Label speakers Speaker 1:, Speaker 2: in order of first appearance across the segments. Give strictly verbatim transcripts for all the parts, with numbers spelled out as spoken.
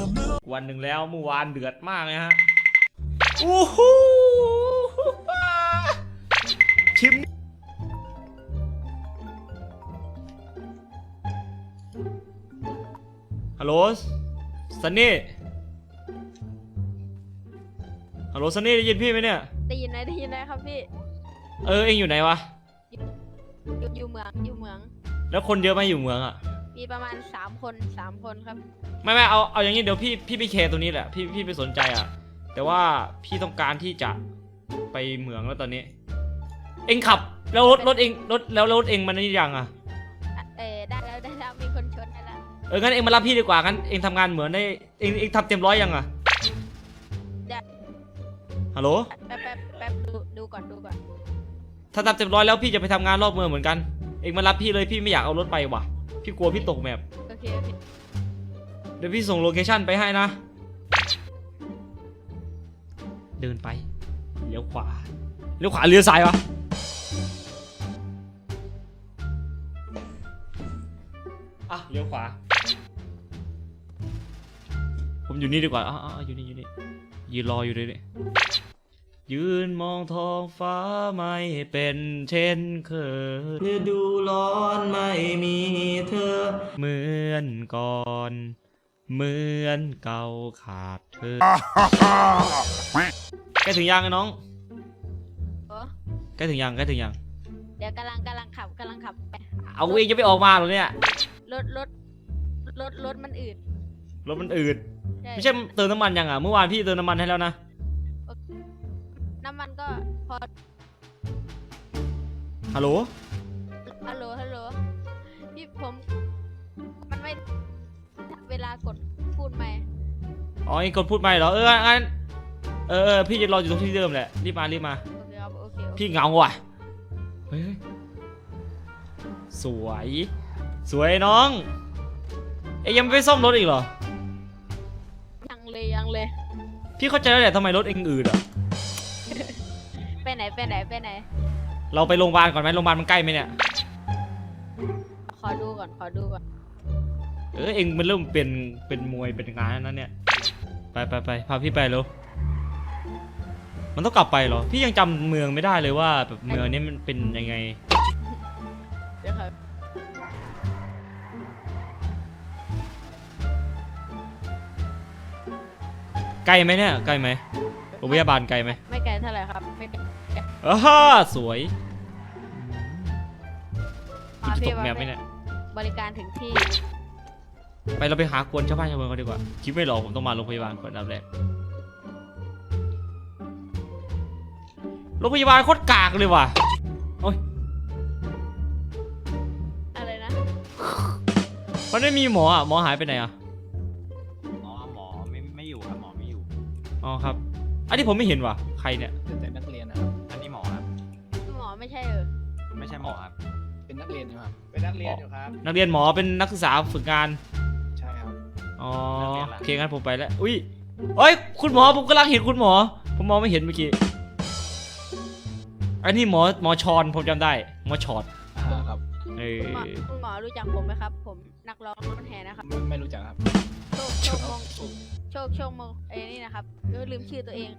Speaker 1: วันหนึ่งแล้วเมื่อวานเดือดมากเลยฮะโอ้โหชิมฮัลโหลซันนี่ฮัลโหลซันนี่ได้ยินพี่ไหมเนี่ย
Speaker 2: ได้ยินไหมได้ยินไหมครับพี่
Speaker 1: เออเอ็งอยู่ไหนวะ
Speaker 2: อยู่อยู่เมืองอยู่เมือง
Speaker 1: แล้วคนเยอะไหมอยู่เมืองอ่ะ
Speaker 2: มีประมาณสามคนสามคนครับ
Speaker 1: ไม่ไม่เอาเอาอย่างนี้เดี๋ยวพี่พี่ไปแคร์ตัวนี้แหละพี่พี่ไปสนใจอ่ะแต่ว่าพี่ต้องการที่จะไปเมืองแล้วตอนนี้เอ็งขับแล้วรถรถเอ็งรถแล้วรถเอ็งมันนี่ยังอ่ะ
Speaker 2: เออได้แล้วได้แล้วมีคนชนได้แล้ว
Speaker 1: เอองั้นเอ็งมารับพี่ดีกว่างั้นเอ็งทำงานเหมือนได้เอ็งเอ็งทำเต็มร้อยยังอ่ะฮัลโหล
Speaker 2: แป๊บแป๊บแป๊บดูดูก่อนดูก่อน
Speaker 1: ถ้าทำเต็มร้อยแล้วพี่จะไปทำงานรอบเมืองเหมือนกันเอ็งมารับพี่เลยพี่ไม่อยากเอารถไปว่ะพี่กลัวพี่ตกแมพ
Speaker 2: โอเคโอเค
Speaker 1: เดี๋ยวพี่ส่งโลเคชั่นไปให้นะเดินไปเลี้ยวขวาเลี้ยวขวาเลี้ยวซ้ายวะอ่ะเลี้ยวขวาผมอยู่นี่ดีกว่าอ่ะอ่ะอยู่นี่อยู่นี่ยืนรออยู่เลยเนี่ยยืนมองท้องฟ้าไม่เป็นเช่นเคยฤดูร้อนไม่มีเธอเหมือนก่อนเหมือนเก่าขาดเธอใกล้ถึงยังไอ้น้องใกล้ถึงยังใกล้ถึงยัง
Speaker 2: เดี๋ยวกำลังกำลังขับกำลังขับไป
Speaker 1: เอาเองจะไปออกมาหรอเนี่ย
Speaker 2: รถรถรถรถมันอืด
Speaker 1: รถมันอืดไม่ใช่เติมน้ำมันยังอ่ะเมื่อวานพี่เติมน้ำมันให้แล้วนะ
Speaker 2: น้ำมันก็พอ
Speaker 1: ฮัลโหล
Speaker 2: ฮัลโหลฮัลโหลพี่ผมมันไม่เวลากดพูดไหม
Speaker 1: อ๋อไอ้กดพูดไหมเหรอเอองั้นเออเออพี่จะรออยู่ตรงที่เดิมแหละรีบมารีบมา
Speaker 2: โอเคครับโอเค
Speaker 1: พี่เหงาว่ะเฮ้ยสวยสวยน้องเอ้ยยังไม่ไปซ่อมรถอีกเหรอ
Speaker 2: ยังเลยยังเลย
Speaker 1: พี่เข้าใจแล้วแหละทำไมรถเองอืดอ่ะ
Speaker 2: ไปไหนไปไหนไปไหน
Speaker 1: เราไปโรงพยาบาลก่อนไหมโรงพยาบาลมันใกล้ไหมเนี่ย
Speaker 2: ขอดูก่อนขอดูก่อน
Speaker 1: เออเองมันเริ่มเป็นเป็นมวยเป็นงานนั้นเนี่ยไปไปไปพาพี่ไปแล้วมันต้องกลับไปเหรอพี่ยังจำเมืองไม่ได้เลยว่าแบบเมืองนี้มันเป็นยังไง
Speaker 2: เดี๋ยวครับ
Speaker 1: ไกลไหมเนี่ยไกลไหมโรงพยาบาลไกลไหม
Speaker 2: ไม่ไกลเท่าไหร่ครับไม่ไกล
Speaker 1: อ้าสวยจะตกแมพไหมเนี่ย
Speaker 2: บริการถึงที่
Speaker 1: ไปเราไปหากวนชาวบ้านชาวเมืองกันดีกว่าคิดไม่หรอกผมต้องมาโรงพยาบาลก่อนอันดับแรกโรงพยาบาลโคตรกากเลยว่ะโอ้ย
Speaker 2: อะไรนะ
Speaker 1: มันไม่มีหมออ่ะหมอหายไปไหนอ่ะ
Speaker 3: อ๋อหมอไม่ไม่อยู่ครับหมอไม่อยู่
Speaker 1: อ๋อครับอันนี้ผมไม่เห็นว่ะใครเนี่ย
Speaker 3: แต่นักเรียนนะครับอันนี้หมอครับ
Speaker 2: หมอไม่ใช่เออ
Speaker 3: ไม่ใช่หมอครับ
Speaker 4: เป็นนักเรียนอยู่ครับเป็นนักเรียนอยู่ครับ
Speaker 1: นักเรียนหมอเป็นนักศึกษาฝึกงาน
Speaker 4: ใช่ครับ
Speaker 1: อ๋อโอเคงั้นผมไปแล้วอุ้ยเอ้ยคุณหมอผมกำลังเห็นคุณหมอผมมองไม่เห็นเมื่อกี้อันนี้หมอหมอชอนผมจำได้หมอชอด
Speaker 4: ครับ
Speaker 1: เออ
Speaker 2: คุณหมอรู้จักผมไหมครับผมนักร้องรถแห่นะครับ
Speaker 4: ไม่รู้จักครับ
Speaker 2: โชคโชคมงโชคโชคมงไอ้นี่นะครับลืมชื่อตัวเอง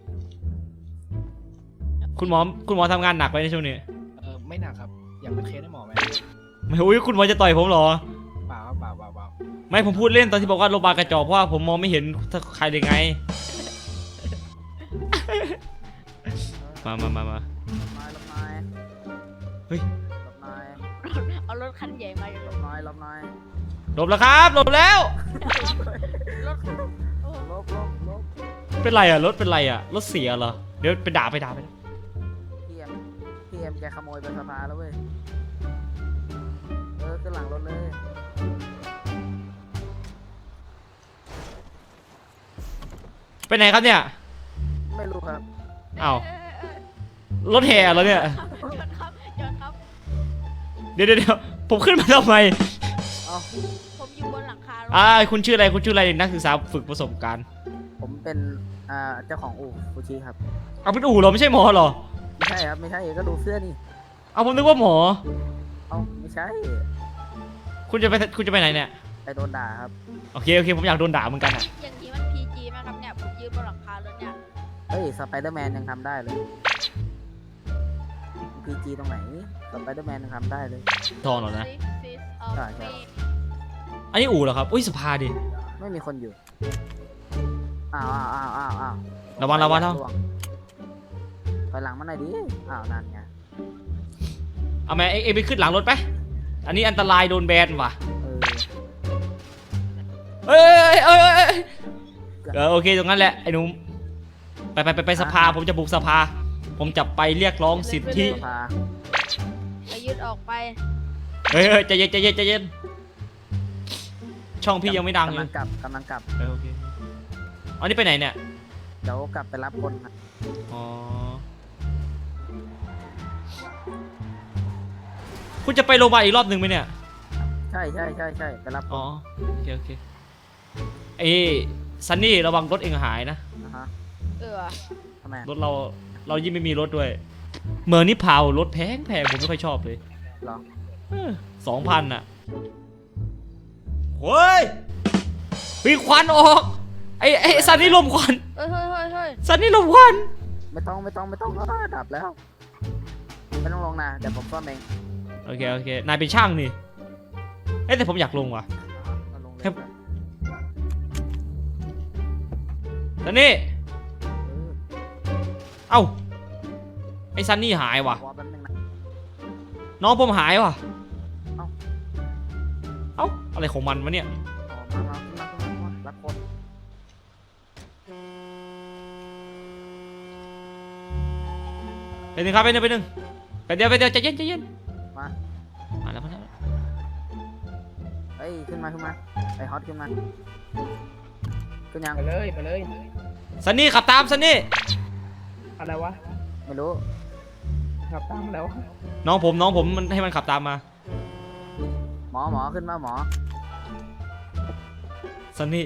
Speaker 1: คุณหมอคุณหมอทำงานหนักไปในช่วงนี้
Speaker 4: เออไม่หนักครับอยากเป็นเคสให้หมอไหม
Speaker 1: ไม่อุ้ยคุณหมอจะต่อยผมเหรอ
Speaker 4: เปล่าเปล่าเปล่าเปล่า
Speaker 1: ไม่ผมพูดเล่นตอนที่บอกว่าโรงพยาบาลกระจอกเพราะว่าผมมองไม่เห็นใครเลยไงมามามามาเฮ้ย
Speaker 2: เอารถคันใหญ่มาอยู่
Speaker 4: ลบน้อยลบน้อย
Speaker 1: หลบแล้วครับหลบแล้ว
Speaker 2: รถ
Speaker 4: ลบลบลบ
Speaker 1: เป็นไรอ่ะรถเป็นไรอ่ะรถเสียเหรอเดี๋ยวไปด่าไปด่าไป
Speaker 4: พี่เอ็มพี่เอ็มแกขโมยไปสภาแล้วเว้ยเออขึ้นหลังรถเลย
Speaker 1: ไปไหนครับเนี่ย
Speaker 4: ไม่รู้ครับ
Speaker 1: อ้าวรถแห่เหรอเนี่ยเดี๋ยวเดี๋ยวผมขึ้นมาทำไม
Speaker 2: ผมอยู่บนหลังคา
Speaker 1: อ่าคุณชื่ออะไรคุณชื่ออะไรนักศึกษาฝึกประสบการณ์
Speaker 4: ผมเป็นอ่าเจ้าของอู่ฟูชิครับ
Speaker 1: เอาเป็นอู่เหรอไม่ใช่หมอเหรอ
Speaker 4: ไม่ใช่ครับไม่ใช่ก็ดูเสื้อนี่
Speaker 1: เอาผมนึกว่าหมอ
Speaker 4: เอาไม่ใช่
Speaker 1: คุณจะไปคุณจะไปไหนเนี่ย
Speaker 4: ไปโดนด่าครับ
Speaker 1: โอเคโอเคผมอยากโดนด่าเหมือนกันอ่ะ
Speaker 2: อย่างนี้มันพีจีไหมครับเนี่ยผมยืนบนหลังคารถเนี่ย
Speaker 4: เฮ้ยสไปเดอร์แมนยังทำได้เลยพีจีตรงไหนสไปเดอร์แมนยังทำได้เลย
Speaker 1: ทองหรอนะ
Speaker 2: Six Feet of
Speaker 4: ใช่ใช่
Speaker 2: Me
Speaker 1: อันนี้อู่เหรอครับอุ้ยสภาดิ
Speaker 4: ไม่มีคนอยู่อ้าวอ้าวอ้าวอ้าวอ้าว
Speaker 1: ระวังระวังระวัง
Speaker 4: ไปหลังมาหน่อยดิอ้าวนั่นไง
Speaker 1: เอาไหมเอ็งเอ็งไปขึ้นหลังรถไปอันนี้อันตรายโดนแบนว่ะ
Speaker 4: เออ
Speaker 1: เอ้ยเอ้ยเอ้ยเอ้ยเออโอเคตรงนั้นแหละไอ้หนุ่มไปไปไปไปสภาผมจะบุกสภา ผมจะไปเรียกร้องสิทธิ
Speaker 4: สภา
Speaker 2: ไปยืดออกไป
Speaker 1: เฮ้ยเฮ้ยใจเย็นใจเย็นใจเย็นช่องพี่ยังไม่ดัง
Speaker 4: กำ
Speaker 1: เล
Speaker 4: ลั
Speaker 1: ย
Speaker 4: งกลับกำลังกลับ
Speaker 1: เออโอเคอันนี้ไปไหนเนี่ย
Speaker 4: เดี๋ยวกลับไปรับคนนะ
Speaker 1: อ๋อคุณจะไปโรงพยาบาลอีกรอบหนึ่งไหมเนี่ย
Speaker 4: ใช่ใช่ใช่ใช่ไปรับค
Speaker 1: อ๋อน โอเคโอเคเอ้ซันนี่ระวังรถเองหายนะ
Speaker 4: นะฮะ
Speaker 2: เออ
Speaker 4: ทำไม
Speaker 1: รถเราเรายิ่งไม่มีรถด้วย เมืองนี้เผารถแพงแพงผมไม่ค่อยชอบเลย
Speaker 4: เหรอ
Speaker 1: สองพันอ่ะเฮ้ยมีควันออกไอ้ไอ้ซันนี่ลมควัน
Speaker 2: เฮ้ยเฮ้ยเฮ้ยเฮ้ย
Speaker 1: ซันนี่ลมควัน
Speaker 4: ไม่ต้องไม่ต้องไม่ต้องอ้าวดับแล้วไม่ต้องลงนะเดี๋ยวผมซ่อมเอง
Speaker 1: โอเคโอเคนายเป็นช่างนี่เอ้ยแต่ผมอยากลงว่ะ
Speaker 4: เอาลงเลย
Speaker 1: ครับ ซันนี่
Speaker 4: เออ
Speaker 1: เอ้าไอ้ซันนี่หายว่ะ
Speaker 4: วอลแป๊บนึงนะ
Speaker 1: น้องผมหายว่ะ
Speaker 4: เอ้า
Speaker 1: เอ้าอะไรของมันวะเนี่ย
Speaker 4: อ๋อมามาขึ้นมาขึ้นมาขึ้นมารับคน
Speaker 1: ไปหนึ่งครับไปหนึ่งไปหนึ่งไปเดี๋ยวไปเดี๋ยวใจเย็นใจเย็น
Speaker 4: มา
Speaker 1: มาแล้วมาแล้ว
Speaker 4: เฮ้ยขึ้นมาขึ้นมาไอฮอตขึ้นมาขึ้นยัง
Speaker 5: ไปเลยไปเลย
Speaker 1: ซันนี่ขับตามซันนี่
Speaker 5: อะไรวะ
Speaker 4: ไม่รู้
Speaker 5: ขับตามแล้ว
Speaker 1: น้องผมน้องผมมันให้มันขับตามมา
Speaker 4: หมอหมอขึ้นมาหมอ
Speaker 1: ซันนี่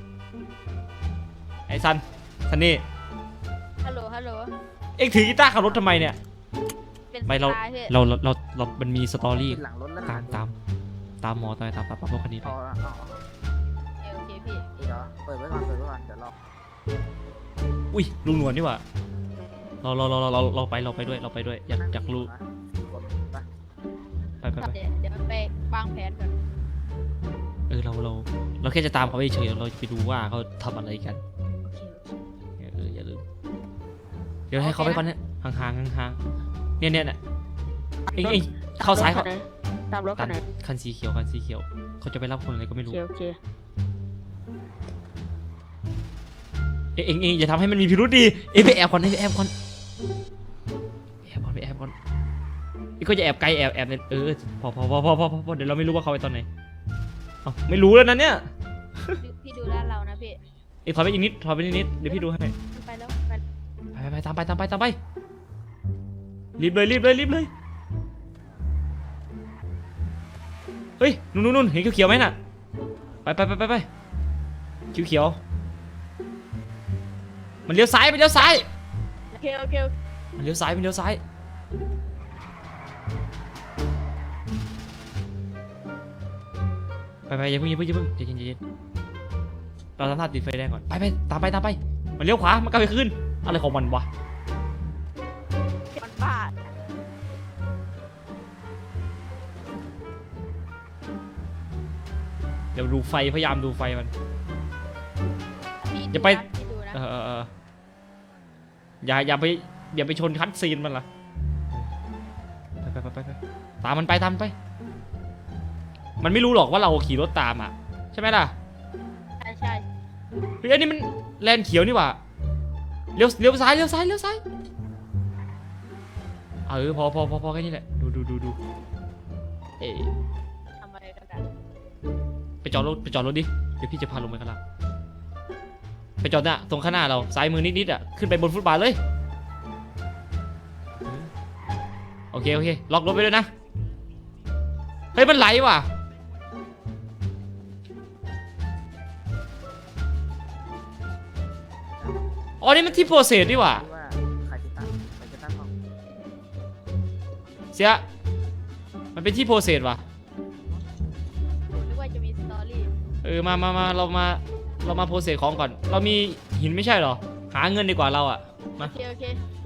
Speaker 1: ไอ้ซันซันนี่
Speaker 2: ฮัลโหลฮัลโหล
Speaker 1: เอ็งถือกีตาร์ขับรถทำไมเนี่ย
Speaker 2: เป็น
Speaker 1: ไม่เรา
Speaker 2: สไตล์พี่
Speaker 1: เราเราเราเรามันมีสตอรี่
Speaker 4: ขึ้นหลังรถแล้วนะ
Speaker 1: ตามตามตามหมอตามตามตามรถคันนี้ไป
Speaker 4: เอาเอาเอา
Speaker 2: เออโอเคพี่
Speaker 4: เดี๋ยวเปิดไว้ก่อนเปิดไว้ก่อนเดี๋ยวรอ
Speaker 1: อุ้ยลุงหนวลนี่หว่าเราเราเราเราเราไปเราไปด้วยเราไปด้วยอยากอยากรู้
Speaker 4: นะกดไป
Speaker 1: ไปไปไป
Speaker 2: เดี๋ยวเดี๋ยวไปวางแผนก่อน
Speaker 1: เออเราเราเราแค่จะตามเขาไปเฉยๆเราจะไปดูว่าเขาทำอะไรกัน
Speaker 2: โอเคโอเค
Speaker 1: เอออย่าลืมเดี๋ยวให้เขาไปก่อนเนี่ยห่างๆห่างๆเนี่ยเนี่ยเนี่ยเอ็งเอ็งเข้าซ้ายเขา
Speaker 5: ตามรถ
Speaker 1: ตั
Speaker 5: คั
Speaker 1: ด
Speaker 5: นไหน
Speaker 1: คันสีเขียวคันสีเขียวเขาจะไปรับคนอะไรก็ไม่
Speaker 5: โอ
Speaker 1: รู้
Speaker 5: เคโอเค
Speaker 1: เอ็งเอ็งเอ็งอย่าทำให้มันมีพิรุธดีเอ็งไปแอบก่อนเอ็งไปแอบก่อนแอบก่อนไปแอบก่อนเอ็งก็จะแอบไกลแอบแอบเนี่ยเออพอพอพอพอพอพอเดี๋ยวเราไม่รู้ว่าเขาไปตอนไหนเอ้าไม่รู้แล้วนะเนี่ย
Speaker 2: ดูพี่ดูด้านเรานะพี่
Speaker 1: เอ็งถอยไปอีกนิดถอยไปนิดนิดเดี๋ยวพี่ดูให้
Speaker 2: ไปแล้วไป
Speaker 1: ไปไปไปตามไปตามไปตามไปรีบเลยรีบเลยรีบเลยเฮ้ยนู่นนู่นนู่นเห็นเขียวๆไหมน่ะไปไปไปไปไปเขียวเขียวมันเลี้ยวซ้ายมันเลี้ยวซ้าย
Speaker 5: โอเคโอเคโอเค
Speaker 1: มันเลี้ยวซ้ายมันเลี้ยวซ้ายไปไปอย่าเพิ่งอย่าเพิ่งอย่าเพิ่งใจเย็นใจเย็นเราทำท่าติดไฟแดงก่อนไปไปตามไปตามไปมันเลี้ยวขวามันกลับไปขึ้นอะไรของมันวะ
Speaker 2: มันบ้า
Speaker 1: เดี๋ยวดูไฟพยายามดูไฟมัน
Speaker 2: พี่
Speaker 1: อย่าไป
Speaker 2: ดูนะพี่ดูนะ
Speaker 1: เออเออเอออย่าอย่าไปอย่าไปชนคัดซีนมันล่ะไปไปไปไปไปตามมันไปตามมันไป มันไม่รู้หรอกว่าเราขี่รถตามอ่ะใช่ไหมล่ะ
Speaker 2: ใช่ใช่
Speaker 1: เฮ้ยอันนี้มันแลนเขียวนี่หว่าเลี้ยวเลี้ยวซ้ายเลี้ยวซ้ายเลี้ยวซ้ายเออพอพอพอพอแค่นี้แหละดูดูดูดูเอ๊ะ
Speaker 2: ทำอะไรกันอะ
Speaker 1: ไปจอดรถไปจอดรถดิเดี๋ยวพี่จะพาลงไปข้างล่างไปจอดน่ะตรงข้างหน้าเราซ้ายมือนิดๆอ่ะขึ้นไปบนฟุตบาทเลยโอเคโอเคล็อกรถไปด้วยนะเฮ้ยมันไหลว่ะอ๋อนี่มันที่โปรเซสดีหว่า
Speaker 4: ที่ว่าใครจะตั้งใครจะตั้งห้อง
Speaker 1: เสียมันเป็นที่โปรเซสว่ะ
Speaker 2: ผมนึกว่าจะมีสตอรี่
Speaker 1: เออมามามาเรามาเรามาโพสเซสของก่อน เรามีหินไม่ใช่เหรอ หาเงินดีกว่าเราอะ
Speaker 2: โอ
Speaker 1: มา
Speaker 2: เคโอเค